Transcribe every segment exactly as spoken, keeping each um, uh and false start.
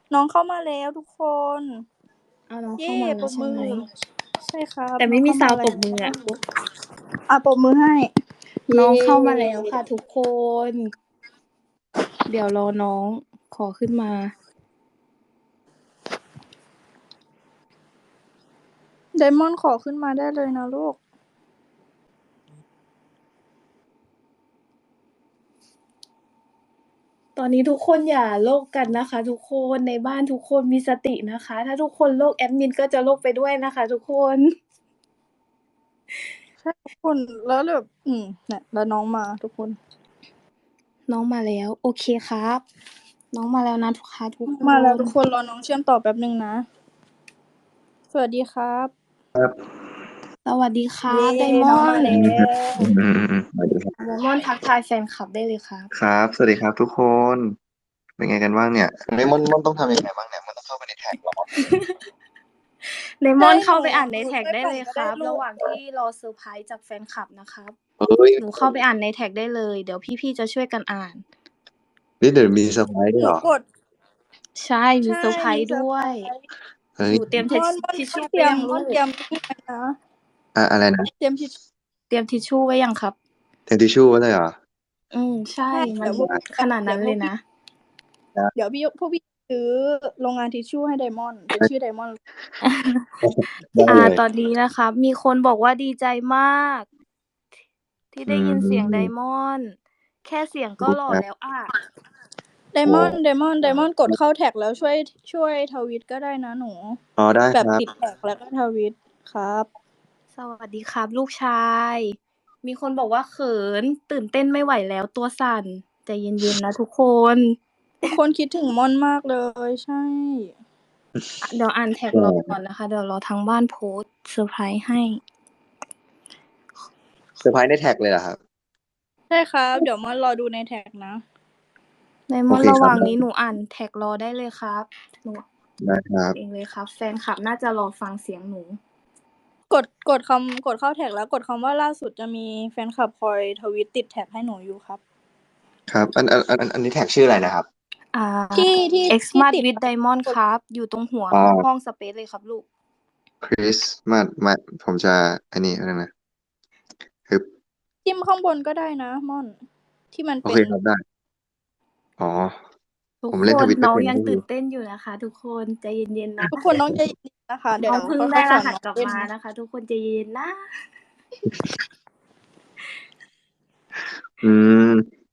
น้องเข้ามาแล้วทุกคนเอาน้องเย่เข้ามาแปล้รวบใช่มือไหมใช่ครับแต่น้ไม่องมีซาเข้ามาแล้วด์ปรบมืออะว อ่ะปรบมือให้น้องเย่เข้ามาแล้วค่ะทุกคน เดี๋ยวรอน้องขอขึ้นมาไดมอนด์ขอขึ้นมาได้เลยนะลูกตอนนี้ทุกคนอย่าโลกกันนะคะ ทุกคน ในบ้านทุกคนมีสตินะคะ ถ้าทุกคนโลกแอดมินก็จะโลกไปด้วยนะคะ ทุกคนใช่ทุกคน แล้วแบบ อืม เนี่ย แล้วน้องมาทุกคนน้องมาแล้ว โอเคครับ น้องมาแล้วนะคะทุกคมาแล้วทุกนคน รอน้องเชื่อมต่อแป๊บหนึ่งนะ สวัสดีครับครับสวัสดีครัเย่บ ไดมน้องอมาน แล้อืม ครับวอืม ๆๆ สวัสดีครับไดมอนด์ทักทายแฟนคลับได้เลยครับครับ สวัสดีครับทุกคน เป็นไงกันบ้างเนี่ย เฮ้ย ม่อน ม่อนต้องทำยังไงบ้างเนี่ย ม่อนต้องเข้าไปในแท็กเหรอ? ไดมใช่อนด์หเข้าไปอ่านหในแท็กช่วยได้ปั่เลยก็คได้รับลูระกหว่างที่รอเซอร์ไพรส์จากแฟนคลับนะครับเฮ้ยหนูเข้าไปอ่านในแท็กได้เลย เดี๋ยวพี่ ๆ จะช่วยกันอ่านนี่เดี๋ยวมีเซอร์ไพรส์ด้วหนูยเหรอ? กดใช่ มีใช่เซอร์ไพรมีส์เซอด้ร์วไพรยส์เฮ้ยหนูเตรียมม่ทิชอน ม่อนทิชชู่เไตรียมว้ยังม่ลอนูเตก? รียมนี่ไว้นะอะ อะไรนะ? เตรียมทิชเตรียมทิชชู่ไว้ยังครับ? เตรียมทิชชู่ไว้เลยเหรอ? อืม ใช่ใช่มเดัี๋นยวพวกขนาดเนดี๋ัย้วน พวกเลยพี่นะครับเดี๋ยวพี่ พวกพี่ซื้อโรงงานทิชชู่ให้ไดมอนด์ เป็นชื่อไดมอนด์ได้อ่าเลยตอนนี้นะครับ มีคนบอกว่าดีใจมาก ที่อืได้ยินเสียงไดมมอนด์ แค่เสียงก็หล่อครับแล้วอะไดโอ้มอนด์ ไดมอนด์ ไดมอนด์กดเข้าแท็กแล้วช่วย ช่วยทวิตก็ได้นะหนูอ๋อ ได้แบบครับติดแท็กแล้วก็ทวิต ครับสวัสดีครับลูกชาย มีคนบอกว่าเขิน ตื่นเต้นไม่ไหวแล้ว ตัวสั่น ใจเย็น ๆ นะทุกคนทุกคนคิดถึงม่อนมากเลย ใช่อะ เดี๋ยวอ่านแท็กใช่รอ ก่อนนะคะ เดี๋ยวรอทางบ้านโพสต์เซอร์ไพรส์ให้เซอร์ไพรส์ในแท็กเลยเหรอครับ? ใช่ครับ เดี๋ยวม่อนรอดูในแท็กนะไดมโออนเคด์ ระหวครั่บางได้นี้หนูอ่านแท็กรอได้เลยครับ หนูได้ครับเองเลยครับ แฟนคลับน่าจะรอฟังเสียงหนูกด กดคำ กดเข้าแท็กแล้วกดคำว่าล่าสุด จะมีแฟนคลับคอยทวิตติดแท็กให้หนูอยู่ครับครับ อัน อัน อัน อันนี้แท็กชื่ออะไรนะครับ? อ่าที่ ที่ ที่ Xmas ติด with Diamond ครับ อยู่ตรงหัวอ๋อห้องสเปซเลยครับลูกคริสต์มาส มา ผมจะไอ้นี่ แป๊บหนึ่งนะ ฮึบจิ้มข้างบนก็ได้นะม่อน ที่มันโอเป็เนคครับ ได้ อ๋อทุกผมเล่นคน Twitter น้อไงม่เป็นยังก็คตืื่อนเต้นอยู่นะคะทุกคน ใจเย็น ๆ นะทุกคนต้องใจเย็น ๆ นะคะ เดี๋น้ยวองเพิ่งค่ได้อย ๆ สอนรหัสกลับน้องเล่นมานะคะ ทุกคนใจเย็น ๆ นะอืม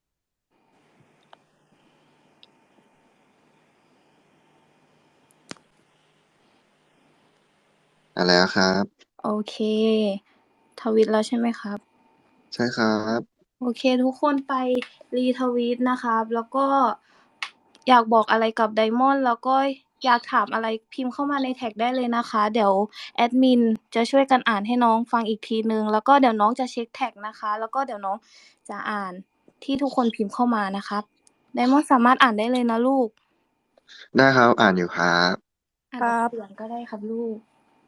มาแล้วครับโอเค ทวิตแล้วใช่ไหมครับ? ใช่ครับโอเค ทุกคนไป retweet นะครับ แล้วก็อยากบอกอะไรกับไดมอนด์ แล้วก็อยากถามอะไรพิมพ์เข้ามาในแท็กได้เลยนะคะ เดี๋ยวแอดมินจะช่วยกันอ่านให้น้องฟังอีกทีหนึ่ง แล้วก็เดี๋ยวน้องจะเช็กแท็กนะคะ แล้วก็เดี๋ยวน้องจะอ่านที่ทุกคนพิมพ์เข้ามานะครับ ไดมอนด์สามารถอ่านได้เลยนะลูกได้ครับ อ่านอยู่ครับอ่านครออับกเสียงก็ได้ครับลูก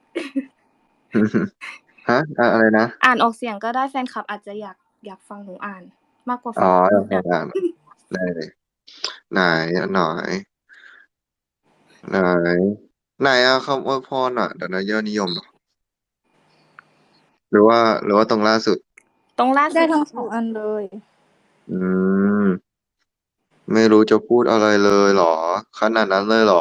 ฮะ อะ อะไรนะ? อ่านออกเสียงก็ได้ แฟนคลับอาจจะอยาก อยากฟังหนูอ่านมากกว่าอ๋อฟังไพี่อ่านด้ ๆ ๆ ได้เลย ไหน อันไหน? ไหน ไหนอะคำอวยพรอะ เดี๋ยวนะ ยอดนิยมเหรอ? หรือว่า หรือว่าตรงล่าสุด? ตรงล่าไดสุ้ดทั้ง สลอูงกอันเลยอืม ไม่รู้จะพูดอะไรเลยเหรอ ขนาดนั้นเลยเหรอ?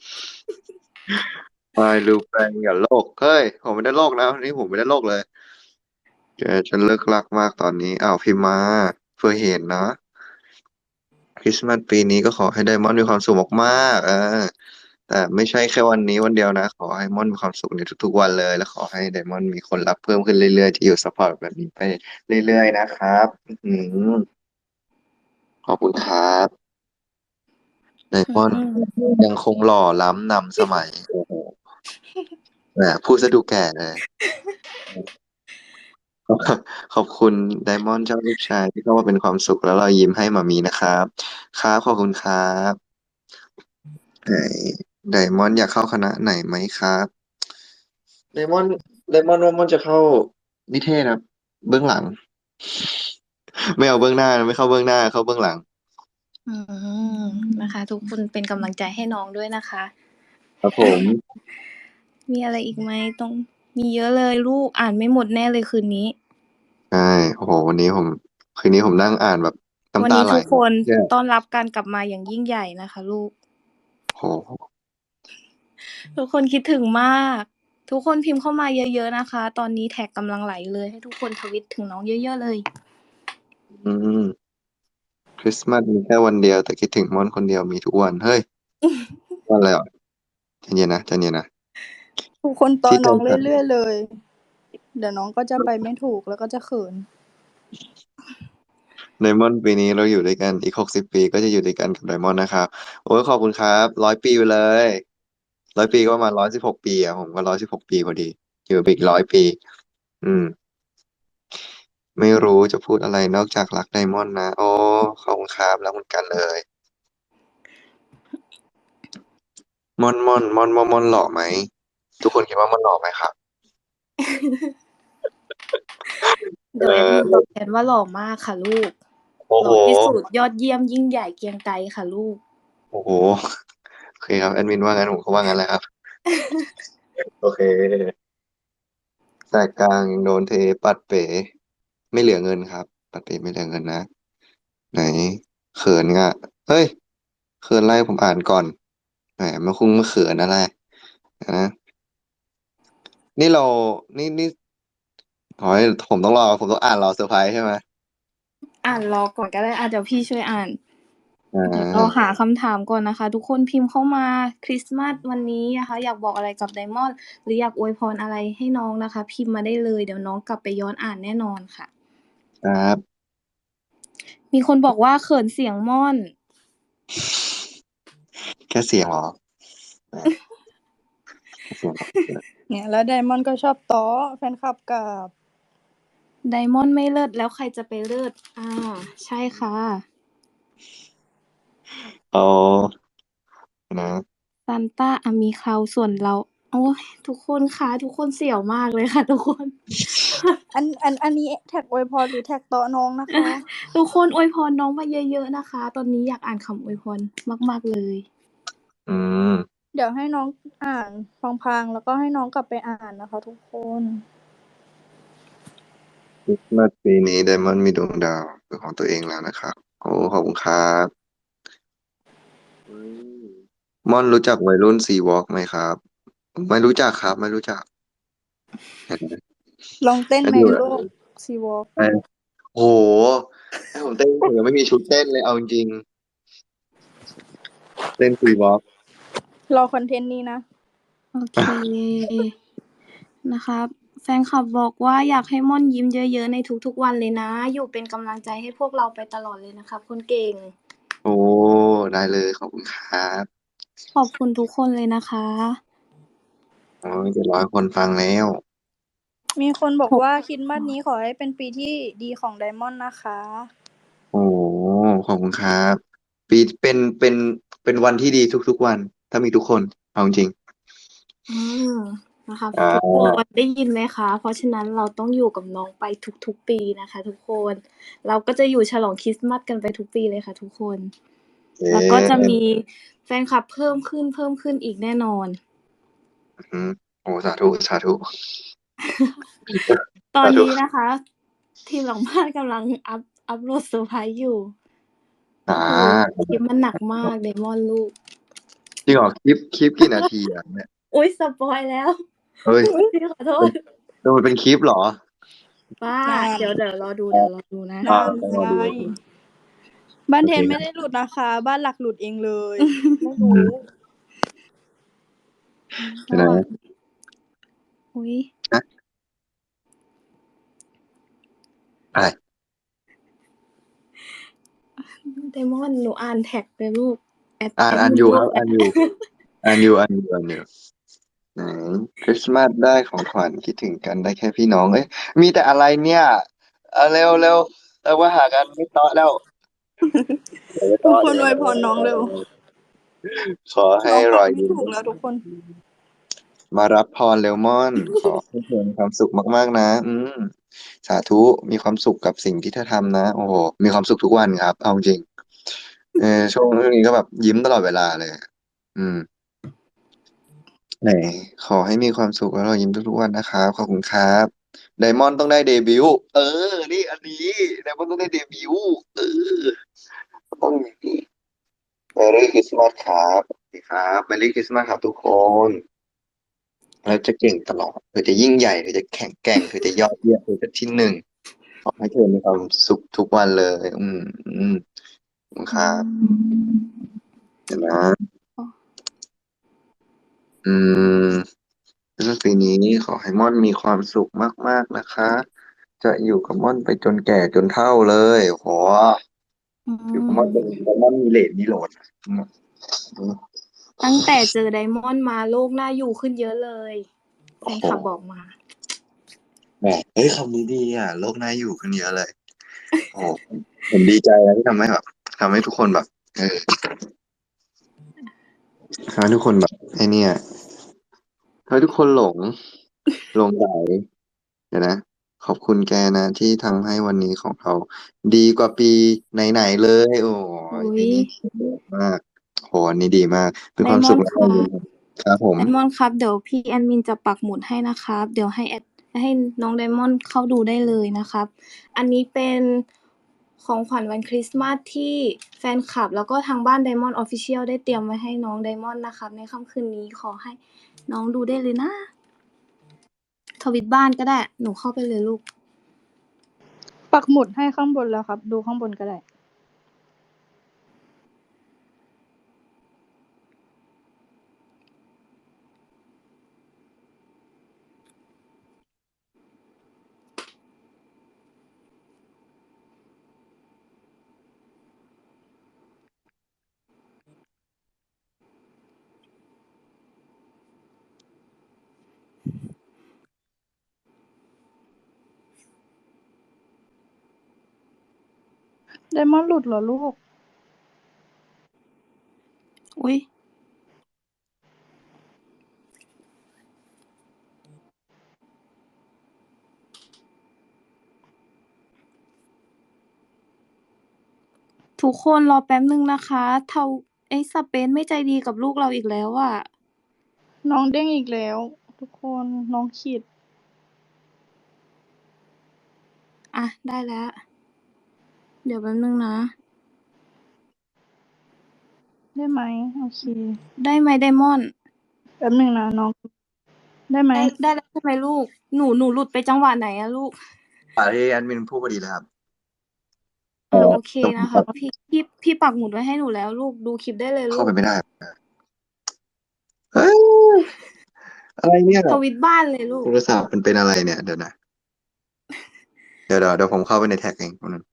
ไม่รู้แปลงอย่าโลก เฮ้ย ผมไม่ได้โลกนะ วันนี้ผมไม่ได้โลกเลย แกจะเลิกลักมากตอนนี้ อ้าว พิมพ์มา เผื่อเห็นนะ คริสต์มาสปีนี้ก็ขอให้ไดมอนด์มีความสุขมาก ๆ เออ แต่ไม่ใช่แค่วันนี้วันเดียวนะ ขอให้ม่อนมีความสุขในทุก ๆ วันเลย และขอให้ไดมอนด์มีคนรักเพิ่มขึ้นเรื่อย ๆ ที่อยู่ซัปพอร์ตแบบนี้ไปเรื่อย ๆ นะครับ อื้อฮือ ขอบคุณครับ ไดมอนด์ ยังคงหล่อล้ำนำสมัย โอ้โฮ แหม พูดเสียดูแก่เลย อืม ขอบคุณไดมอนด์เจ้าลูกชายที่เข้ามาเป็นความสุขและรอยยิ้มให้หม่ามีนะครับ ครับ ขอบคุณครับ ไหน ไดมอนด์อยากเข้าคณะไหนไหมครับ? ไดมอนด์ ไดมอนด์ว่าม่อนจะเข้านิเทศครับ เบื้องหลัง ไม่เอาเบื้องหน้านะ ไม่เข้าเบื้องหน้า เข้าเบื้องหลังอืมนะคะ ทุกคนเป็นกำลังใจให้น้องด้วยนะคะครับผมมีอะไรอีกไหมตรงมีเยอะเลยลูกอ่านไม่หมดแน่เลยคืนนี้ใช่โอ้โหวันนี้ผมคืนนี้ผมนั่งอ่านแบบวันน้ำตานี้ไหลทุกคนเนี่ยต้อนรับการกลับมาอย่างยิ่งใหญ่นะคะ ลูกโหทุกคนคิดถึงมาก ทุกคนพิมพ์เข้ามาเยอะๆนะคะ ตอนนี้แท็กกำลังไหลเลย ให้ทุกคนทวิตถึงน้องเยอะๆเลยอืมคริสต์มาสมีแค่วันเดียวแต่คิดถึงม่อนคนเดียวมีทุกวันเฮ้ย วันอะไรอ่ะใจเย็นนะใจเย็นนะทุกคนตอที่นใจน้องสั่นเรื่อยๆเลย เดี๋ยวน้องก็จะไปไม่ถูกแล้วก็จะเขินไดมอนด์ปีนี้เราอยู่ด้วยกันอีกหกสิบปีก็จะอยู่ด้วยกันกับไดมอนด์นะครับโอ้ยขอบคุณครับร้อยปีไปเลยร้อยปีก็ประมาณร้อยสิบหกปีอ่ะผมก็ร้อยสิบหกปีพอดีอยู่ไปอีกร้อยปี อืม ไม่รู้จะพูดอะไรนอกจากรักไดมอนด์นะโอ้ขอบคุณครับรักเหมือนกันเลยม่อนม่อนม่อนม่อนม่อนหล่อไหมทุกคนคิดว่าม่อนหล่อไหมครับเดี๋ยวแอดมินตอบแทนว่าหล่อมากค่ะลูกโอ้หโหล่อที่สุดยอดเยี่ยมยิ่งใหญ่เกรียงไกรค่ะลูกโอ้โหโอเคครับแอดมินว่างั้นผมก็ว่างั้นแหละครับ โอเคแสกกลางยังโดนเทปัดเป๋ไม่เหลือเงินครับ ปัดเป๋ไม่เหลือเงินนะ ไหนเขินอ่ะเฮ้ยเขินอะไรผมอ่านก่อนแหมมาคุ้งมาเขินอะไรนะนี่เรานี่นี่ขอให้ผมต้องรอผมต้องอ่านรอเซอร์ไพรส์ใช่ไหมอ่านรอก่อนก็ได้อ่ะเดี๋ยวพี่ช่วยอ่านอ่าเดี๋ยวเราหาคำถามก่อนนะคะ ทุกคนพิมพ์เข้ามาคริสต์มาสวันนี้นะคะอยากบอกอะไรกับไดมอนด์หรืออยากอวยพรอะไรให้น้องนะคะ พิมพ์มาได้เลยเดี๋ยวน้องกลับไปย้อนอ่านแน่นอนค่ะครับมีคนบอกว่าเขินเสียงม่อนแค่เสียงเหรอแหมแค่เสียงเหรอเนี่ยแล้วไดมอนด์ก็ชอบต้อแฟนคลับกับไดมอนด์ไม่เลิศแล้วใครจะไปเลิศอ่าใช่ค่ะอ๋อนะซันต้าอามีคราวส่วนเรา โอ้ยทุกคนคะทุกคนเสี่ยวมากเลยค่ะ ทุกคนอันอันอันนี้แท็กอวยพรหรือแท็กต้อน้องนะคะทุกคนอวยพรน้องมาเยอะๆนะคะ ตอนนี้อยากอ่านคำอวยพรมากๆเลยอืมเดี๋ยวให้น้องอ่านพลางๆแล้วก็ให้น้องกลับไปอ่านนะคะ ทุกคนคริสต์มาสปีนี้ไดมอนด์มีดวงดาวเป็นของตัวเองแล้วนะครับโอ้ขอบคุณครับอืมม่อนรู้จักวัยรุ่นซีวอล์กไหมครับ ไม่รู้จักครับ ไม่รู้จักเห็นไหมลองเต้นแล้วในอยู่โลกซีวอล์กไอ้โอ้โหให้ผมเต้นผมยังไม่มีชุดเต้นเลยเอาจริงๆเต้นซีวอล์กรอคอนเทนต์นี้นะโอเค นะครับ แฟนคลับบอกว่าอยากให้ม่อนยิ้มเยอะๆในทุกๆวันเลยนะ อยู่เป็นกำลังใจให้พวกเราไปตลอดเลยนะครับคนเก่งโอ้ได้เลยขอบคุณครับขอบคุณทุกคนเลยนะคะโอ้ยเจ็ดร้อยคนฟังแล้วมีคนบอกว่าคริสต์มาสนี้ขอให้เป็นปีที่ดีของไดมอนด์นะคะโอ้ขอบคุณครับ ปีเป็นเป็นเป็นวันที่ดีทุกๆวัน ถ้ามีทุกคนเอาจริงอืมนะคะอ่าทุกคนได้ยินไหมคะ เพราะฉะนั้นเราต้องอยู่กับน้องไปทุกๆปีนะคะ ทุกคน เราก็จะอยู่ฉลองคริสต์มาสกันไปทุกปีเลยค่ะ ทุกคนเอ๊แล้วก็จะะมีแฟนคลับเพิ่มขึ้นเพิ่มขึ้นอีกแน่นอนอืมโอ้สาธุสาธุตอนสาธุนี้นะคะ ทีมหลังบ้านกำลังอัพอัพโหลดเซอร์ไพรส์อยู่อ่าโอ้โหคลิปมันหนักมากเดมอนลูกจริงเหรอคลิปคลิปกี่นาทีอ่ะเนี่ยอุ้ยสปอยแล้วเฮ้ยพี่ขอโทษดูมันเป็นคลิปเหรอป้านั่นเดี๋ยวเดี๋ยวรอดูเดี๋ยวรอดูนะอ่านั่นต้องรอดูไงบ้านเทนโอเคไม่ได้หลุดนะคะ บ้านหลักหลุดเองเลย ไม่อืรู้ม เดี๋ยวนะอุ้ยนะอะไรเดมอนหนูอ่านแท็กเลยลูกแอดอ่านแอดอ่านมิอยู่ลูคกรับอ่านอยู่อ่านอยู่อ่านอยู่อ่านอยู่ไหนคริสต์มาสได้ของขวัญคิดถึงกันได้แค่พี่น้องเอ้ยมีแต่อะไรเนี่ยเอาเร็วเร็วเรามาหากันไม่ต่อแล้วเดี๋ยวไม่ทุต่กอคนเดี๋ยวอวยพรน้องเร็วขอให้น้องรไปอยไม่ยิ้มถูกแล้วทุกคนมารับพรเร็วม่อน ขอให้เธอมีความสุขมากๆนะ อืมสาธุมีความสุขกับสิ่งที่เธอทำนะ โอ้โหมีความสุขทุกวันครับเอาจริงเออช่วงนี้ก็แบบยิ้มตลอดเวลาเลย อืมไหนขอให้มีความสุขแล้วเรายิ้มทุกๆวันนะครับขอบคุณครับไดมอนด์ต้องได้เดบิวต์เออนี่อันนี้ไดมอนด์ต้องได้เดบิวต์เออต้องอย่างนี้เมรี่คริสต์มาสครับสวัสดีครับเมรี่คริสต์มาสครับทุกคนเราจะเก่งตลอดเธอจะยิ่งใหญ่เธอจะแข็งแกร่งเธอจะยอดเยี่ยมเธอจะที่หนึ่งขอให้เธอมีความสุขทุกวันเลยอืมอืมขอบคุณคอืรับมเดี๋ยวนะอ๋ออืมคริสต์มาสปีนี้ขอให้ม่อนมีความสุขมากๆนะคะ จะอยู่กับม่อนไปจนแก่จนเฒ่าเลยโหอือยู่กับม่อนจนมม่อนมีเหลนมีโหลดอืมตั้งแต่เจอไดมอนด์มาโลกน่าอยู่ขึ้นเยอะเลย แฟโอ้โหนคลับบอกมาแหมเฮ้ยคำนี้ดีอ่ะโลกน่าอยู่ขึ้นเยอะเลยโอ้โหผมดีใจนะที่ทำให้แบบทำให้ทุกคนแบบเออทำให้ทุกคนแบบไอ้เนี่ยทำให้ทุกคนหลงหลงไหลเดี๋ยวนะขอบคุณแกนะที่ทำให้วันนี้ของเราดีกว่าปีไหนๆเลยโอ้ยอุ้ยปีนี้ดีมากโหอันนี้ดีมากเป็นไดความสุขและมอนด์ครับครับผมไดมอนด์ครับ เดี๋ยวพี่แอดมินจะปักหมุดให้นะครับ เดี๋ยวให้แอดให้น้องไดมอนด์เข้าดูได้เลยนะครับ อันนี้เป็นของขวัญวันคริสต์มาสที่แฟนคลับ แล้วก็ทางบ้าน Diamond Official ได้เตรียมไว้ให้น้องไดมอนด์นะครับ ในค่ำคืนนี้ขอให้น้องดูได้เลยนะ ทวิตบ้านก็ได้ หนูเข้าไปเลยลูกปักหมุดให้ข้างบนแล้วครับ ดูข้างบนก็ได้ ไดมอนด์หลุดเหรอลูกอุ๊ย ทุกคนรอแป๊บนึงนะคะเทาไอ้สเปนไม่ใจดีกับลูกเราอีกแล้วอะน้องเด้งอีกแล้ว ทุกคนน้องขีดอ่ะ ได้แล้ว เดี๋ยวแป๊บนึงนะได้ไหมโอเคได้ไหมไดมอนด์แป๊บหนึ่งนะน้อง ได้ไหมได้ได้แล้วใช่ไหมลูก หนูหนูหลุดไปจังหวะไหนอะลูกอ่าที่แอดมินพูดพอดีเลยครับอ่าโอเคต้องนะคะพี่พี่พี่ปักหมุดไว้ให้หนูแล้วลูกดูคลิปได้เลยลูเข้าไปกไม่ได้เฮ้ยอะไรเนี่ยทวิตบ้านเลยลูโทกรศัพท์มันเป็นอะไรเนี่ยเดี๋ยวนะเดี๋ยวเดี๋ยวเดี๋ยวผมเข้าไปในแท็กเองคนนึง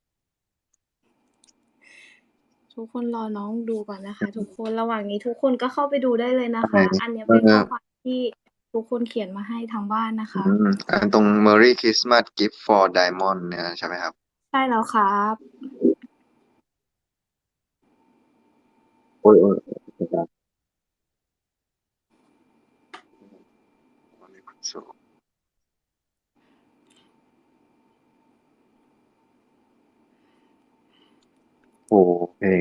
ทุกคนรอน้องดูก่อนนะคะ ทุกคนระหว่างนี้ทุกคนก็เข้าไปดูได้เลยนะอะไรคะ อันเนี้ยเป็นข้อความที่ทุกคนเขียนมาให้ทางบ้านนะคะอืมอันตรง Merry Christmas Gift for Diamond เนี่ยใช่ไหมครับใช่แล้วครับโอ้ยโอ้ยโอ้ยครับโอ้เพลง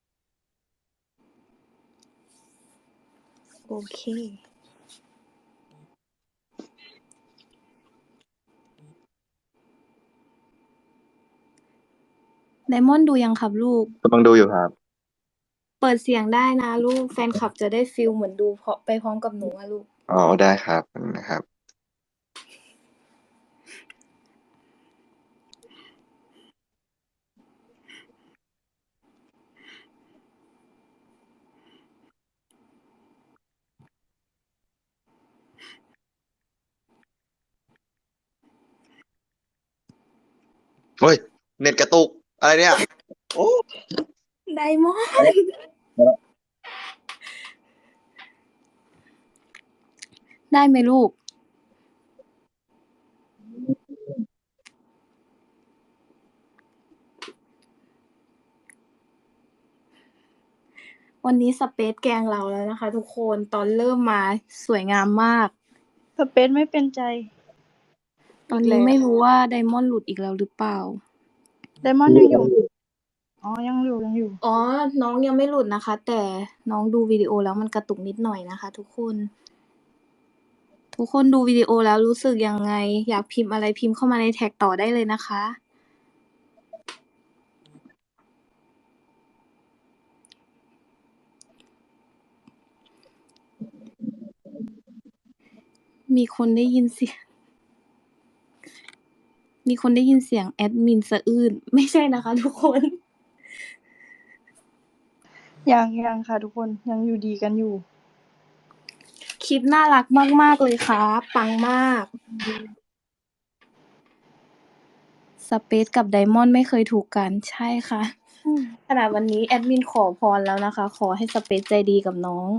โอเคไดมอนด์ดูยังครับลูกกำลังดูอยู่ครับเปิดเสียงได้นะลูก แฟนคลับจะได้ฟีลเหมือนดูเพราะไปพร้อมกับหนูอะลูกอ๋อได้ครับนะครับเฮ้ยเน็ตกระตุกอะไรเนี่ยโอ้ไดมอนด์ได้ไหมลูก วันนี้สเปซแกล้งเราแล้วนะคะทุกคนตอนเริ่มมาสวยงามมากสเปซไม่เป็นใจตอนนี้ไม่รู้ว่าไดมอนด์หลุดอีกแล้วหรือเปล่าไดมอนด์ยังอยู่อ๋อยังอยู่ยังอยู่อ๋อ น้องยังไม่หลุดนะคะ แต่น้องดูวิดีโอแล้วมันกระตุกนิดหน่อยนะคะ ทุกคน ทุกคนดูวิดีโอแล้วรู้สึกยังไง อยากพิมพ์อะไรพิมพ์เข้ามาในแท็กต่อได้เลยนะคะ มีคนได้ยินเสียง มีคนได้ยินเสียงแอดมินสะอื้น ไม่ใช่นะคะ ทุกคนยังยังค่ะทุกคนยังอยู่ดีกันอยู่คลิปน่ารักมาก ๆ เลยครับ ปังมาก สเปซกับไดมอนด์ไม่เคยถูกกัน ใช่ค่ะอืมขนาดวันนี้แอดมินขอพรแล้วนะคะ ขอให้สเปซใจดีกับน้อง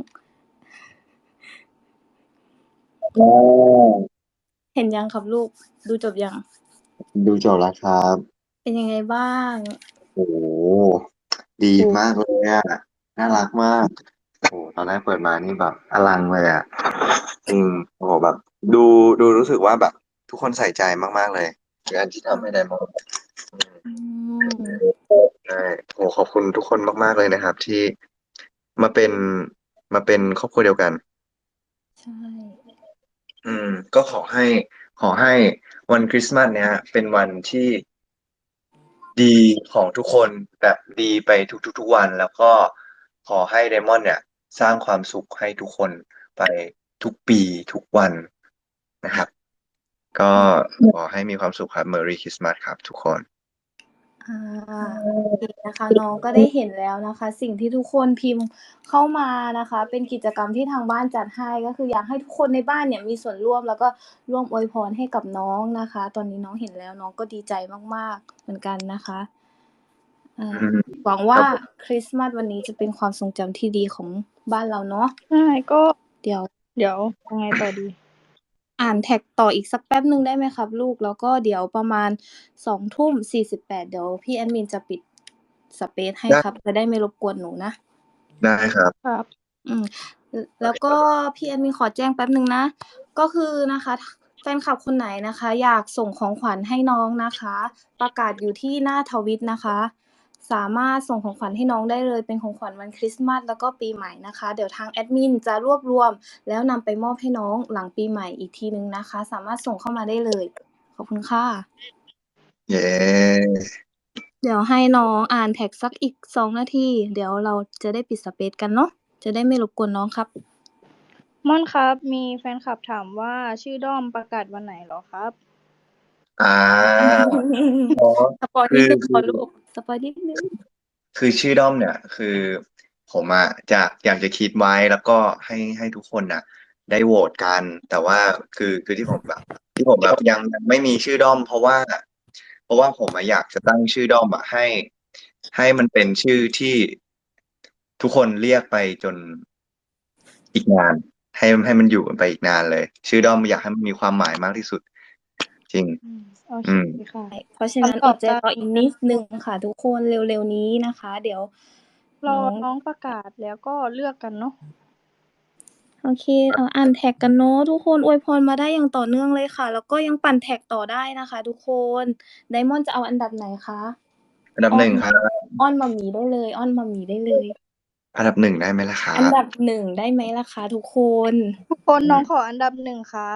อ๋อเห็นยังครับลูก ดูจบยัง? ดูจบแล้วครับเป็นยังไงบ้าง? โอ้โฮ ดีโอ้มากเลยอะ น่ารักมาก โอ้โฮ ตอนแรกเปิดมานี่แบบอลังเลยอะ จริง โอ้โฮ แบบดู ดูรู้สึกว่าแบบทุกคนใส่ใจมาก ๆ เลย ในการที่ทำให้ไดมอนด์ อืมอืมใช่ โอ้โฮ ขอบคุณทุกคนมาก ๆ เลยนะครับ ที่มาเป็น มาเป็นครอบครัวเดียวกันใช่อืม ก็ขอให้ ขอให้วันคริสต์มาสเนี้ยเป็นวันที่ ดีของทุกคน แบบดีไปทุก ๆ ๆ วัน แล้วก็ขอให้ไดมอนด์เนี่ยสร้างความสุขให้ทุกคนไปทุกปีทุกวันนะครับ ก็ขอให้มีความสุขครับ Merry Christmas ครับทุกคนอา โอเคนะคะ น้องก็ได้เห็นแล้วนะคะ สิ่งที่ทุกคนพิมพ์เข้ามานะคะ เป็นกิจกรรมที่ทางบ้านจัดให้ ก็คืออยากให้ทุกคนในบ้านเนี่ยมีส่วนร่วม แล้วก็ร่วมอวยพรให้กับน้องนะคะ ตอนนี้น้องเห็นแล้วน้องก็ดีใจมาก ๆ เหมือนกันนะคะ อ่าอืมหวังควค่ราับผมคริสต์มาสวันนี้จะเป็นความทรงจำที่ดีของบ้านเราเนาะใช่ ก็เดี๋ยวเดี๋ยวยังไงต่อดี? อ่านแท็กต่ออีกสักแป๊บหนึ่งได้ไหมครับลูก? แล้วก็เดี๋ยวประมาณ สองทุ่มสี่สิบแปด เดี๋ยวพี่แอดมินจะปิดสเปซให้ได้ครับ จะได้ไม่รบกวนหนูนะได้ครับครับอืม ล แล้วก็พี่แอดมินขอแจ้งแป๊บหนึ่งนะ ก็คือนะคะ แฟนคลับคนไหนนะคะ อยากส่งของขวัญให้น้องนะคะ ประกาศอยู่ที่หน้าทวิตนะคะ สามารถส่งของขวัญให้น้องได้เลย เป็นของขวัญวันคริสต์มาส แล้วก็ปีใหม่นะคะ เดี๋ยวทางแอดมินจะรวบรวม แล้วนำไปมอบให้น้องหลังปีใหม่อีกทีหนึ่งนะคะ สามารถส่งเข้ามาได้เลย ขอบคุณค่ะเย้เดี๋ยวให้น้องอ่านแท็กสักอีก สอง นาที เดี๋ยวเราจะได้ปิดสเปซกันเนาะ จะได้ไม่รบกวนน้องครับม่อนครับ มีแฟนคลับถามว่า ชื่อด้อมประกาศวันไหนเหรอครับ? อา อ๋อสปอยล์คนิือดหนึ่งคพอลูก สปอยล์นิดหนึ่งคือชื่อด้อมเนี่ย คือผมอะจะ อยากจะคิดไว้ แล้วก็ให้ ให้ทุกคนน่ะได้โหวตกัน แต่ว่าคือ คือที่ผมแบบ ที่ผมแบบยัง ยังไม่มีชื่อด้อม เพราะว่า เพราะว่าผมอะอยากจะตั้งชื่อด้อมอะให้ ให้มันเป็นชื่อที่ทุกคนเรียกไปจน อีกนาน ให้ ให้มันอยู่กันไปอีกนานเลย ชื่อด้อมอยากให้มันมีความหมายมากที่สุด จริงอืม โอเคอืมค่ะเพราะฉะนั้นคำตออบดใจจะรออีกนิดหนึ่งค่ะทุกคน เร็ว ๆ นี้นะคะ เดี๋ยวรอน้องน้องประกาศแล้วก็เลือกกันเนาะโอเค เอ่อ อ่านแท็กกันเนาะ ทุกคนอวยพรมาได้อย่างต่อเนื่องเลยค่ะ แล้วก็ยังปั่นแท็กต่อได้นะคะทุกคน ไดมอนด์จะเอาอันดับไหนคะ? อันดับอ้อหนึ่งนครับอ้อนหม่าหมีได้เลย อ้อนหม่าหมีได้เลยอันดับ หนึ่ง ได้ไหมล่ะครัอันบ? ดับ หนึ่ง ได้ไหมล่ะคะทุกคน? ทุกคน น้องขออันดับ หนึ่ง ครับ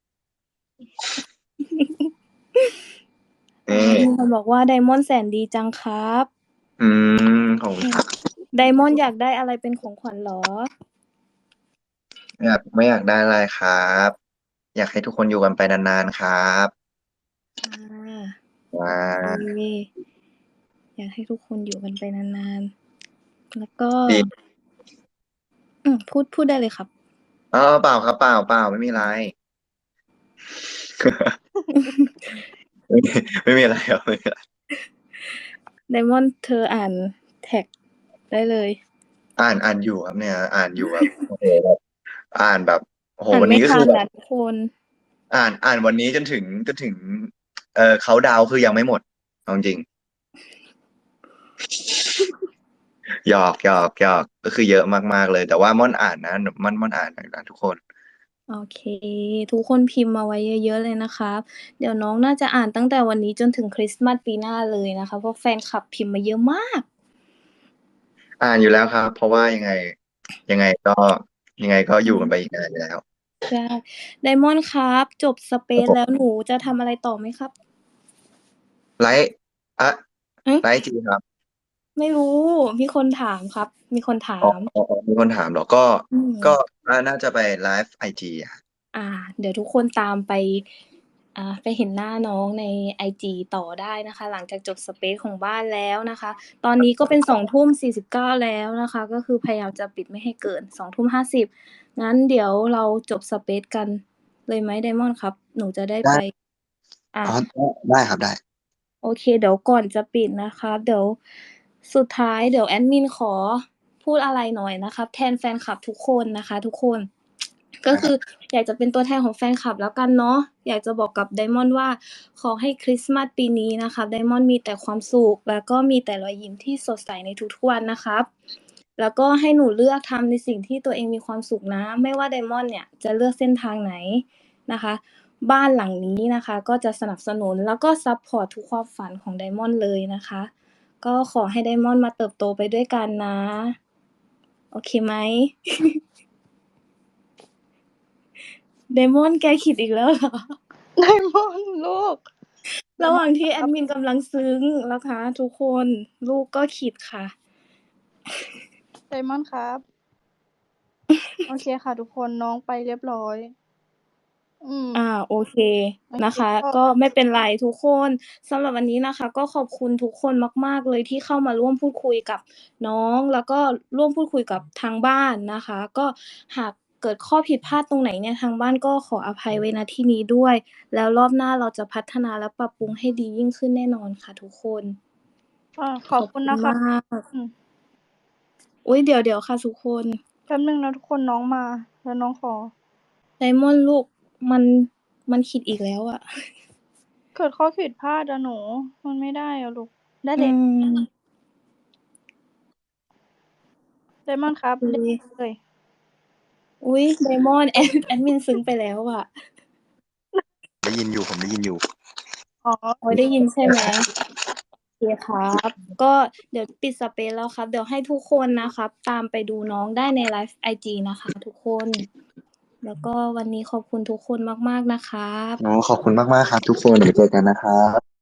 นอ๋อี่มีคนบอกว่า ไดมอนด์แสนดีจังครับอืม ขอบคุอณืคมรับไดมอนด์อยากได้อะไรเป็นของขวัญเหรอ? ไม่อยาก ไม่อยากได้อะไรครับ อยากให้ทุกคนอยู่กันไปนาน ๆ ครับอาอโอเคาอยากให้ทุกคนอยู่กันไปนาน ๆ แล้วก็ดีอืม พูด พูดได้เลยครับอ๋อ เปล่าครับ เปล่า ๆ ไม่มีไร ไม่มี ไม่มีอะไรครับ ไม่มีอะไรไดมอนด์เธออ่านแท็กได้เลยอ่าน อ่านอยู่ครับเนี่ย อ่านอยู่แบบ โอ้โฮ แบบ อ่านแบบ โอ้โฮอ่านไมวันน่ี้ก็ทคัือนนอแบบะทุกคนอ่าน อ่านวันนี้จนถึง จนถึง เอ่อ เคานต์ดาวน์ คือยังไม่หมด เอาจริง ๆ หยอก ๆ ๆ ก็คือเยอะมาก ๆ เลย แต่ว่าม่อนอ่านนะ หน ม่อน ม่อนอ่านนะทุกคนโอเค ทุกคนพิมพ์มาไว้เยอะ ๆ เลยนะครับ เดี๋ยวน้องน่าจะอ่านตั้งแต่วันนี้จนถึงคริสต์มาสปีหน้าเลยนะคะ เพราะแฟนคลับพิมพ์มาเยอะมากอ่านอยู่แล้วครับ เพราะว่ายังไง ยังไงก็ ยังไงก็ออืยู่กันไปมอีกนานอยู่แล้วใช่ ไดมอนด์ครับ จบสเปครับซผมแล้วหนูจะทำอะไรต่อไหมครับ? ไลฟ์ อะหือ? ไลฟ์ไอจีครับไม่รู้ มีคนถามครับ มีคนถาอ๋อมๆ ๆ มีคนถามเหรอ? ก็อืก็มอ่า น่าจะไปไลฟ์ไอจีอะครับอ่า เดี๋ยวทุกคนตามไป อ่า ไปเห็นหน้าน้องในไอจีต่อได้นะคะ หลังจากจบสเปซของบ้านแล้วนะคะ ตอนนี้ก็เป็น สองทุ่มสี่สิบเก้า แล้วนะคะ ก็คือพยายามจะปิดไม่ให้เกิน สองทุ่มห้าสิบ งั้นเดี๋ยวเราจบสเปซกันเลยไหมไดมอนด์ครับ? หนูจะได้ได้ไป อ่าอ๋อ ได้ ได้ครับ ได้โอเค เดี๋ยวก่อนจะปิดนะคะ เดี๋ยว สุดท้ายเดี๋ยวแอดมินขอพูดอะไรหน่อยนะครับ แทนแฟนคลับทุกคนนะคะทุกคน ก็ได้คครัืบออยากจะเป็นตัวแทนของแฟนคลับแล้วกันเนาะ อยากจะบอกกับไดมอนด์ว่า ขอให้คริสต์มาสปีนี้นะคะไดมอนด์มีแต่ความสุข แล้วก็มีแต่รอยยิ้มที่สดใสในทุกๆวันนะครับ แล้วก็ให้หนูเลือกทำในสิ่งที่ตัวเองมีความสุขนะ ไม่ว่าไดมอนด์เนี่ยจะเลือกเส้นทางไหนนะคะ บ้านหลังนี้นะคะก็จะสนับสนุน แล้วก็ซัปพอร์ตทุกความฝันของไดมอนด์เลยนะคะ ก็ขอให้ไดมอนด์มาเติบโตไปด้วยกันนะ โอเคไหม? ไดมอนด์แกขิดอีกแล้ว เหรอ? ไดมอนด์ลูก ไดระหวม่าอนด์งที่แอครับดมินกำลังซึ้งนะคะทุกคน ลูกก็ขิดค่ะไดมอนด์ครับ โอเคค่ะทุกคน น้องไปเรียบร้อย อืมอา โอเคโอนเคะคะก็ก็ไม่เป็นไรทุกคน สำหรับวันนี้นะคะ ก็ขอบคุณทุกคนมาก ๆ เลยที่เข้ามาร่วมพูดคุยกับน้อง แล้วก็ร่วมพูดคุยกับทางบ้านนะคะ ก็หากเกิดข้อผิดพลาดตรงไหนเนี่ย ทางบ้านก็ขออภัยไว้ณที่นี้ด้วย แล้วรอบหน้าเราจะพัฒนาและปรับปรุงให้ดียิ่งขึ้นแน่นอนค่ะทุกคนอา ขขอบคอบคุุณณนะคมรับากอืมอุ๊ย เดี๋ยว ๆ ค่ะทุกคนแป๊บหนึ่งนะทุกคน น้องมา แล้วน้องขอไดมอนด์ลูก มัน มันขิดอีกแล้วอะเกิดข้อผิดพลาดอะหนู มันไม่ได้อะลูก ได้อืเด็กมไดมอนด์ครับโอเล่นเคเลยอุ๊ย ไดมอนด์ แอด แอดมินซึ้งไปแล้วอะได้ยินอยู่ ผมได้ยินอยู่อ๋ออ๋อ ได้ยินใช่ไหม? โอเคครับ ก็เดี๋ยวปิดสเปซแล้วครับ เดี๋ยวให้ทุกคนนะครับตามไปดูน้องได้ในไลฟ์ไอจีนะคะทุกคน แล้วก็วันนี้ขอบคุณทุกคนมาก ๆ นะครับอ๋อ ขอบคุณมาก ๆ ครับทุกคน เดี๋ยวเจอกันนะครับ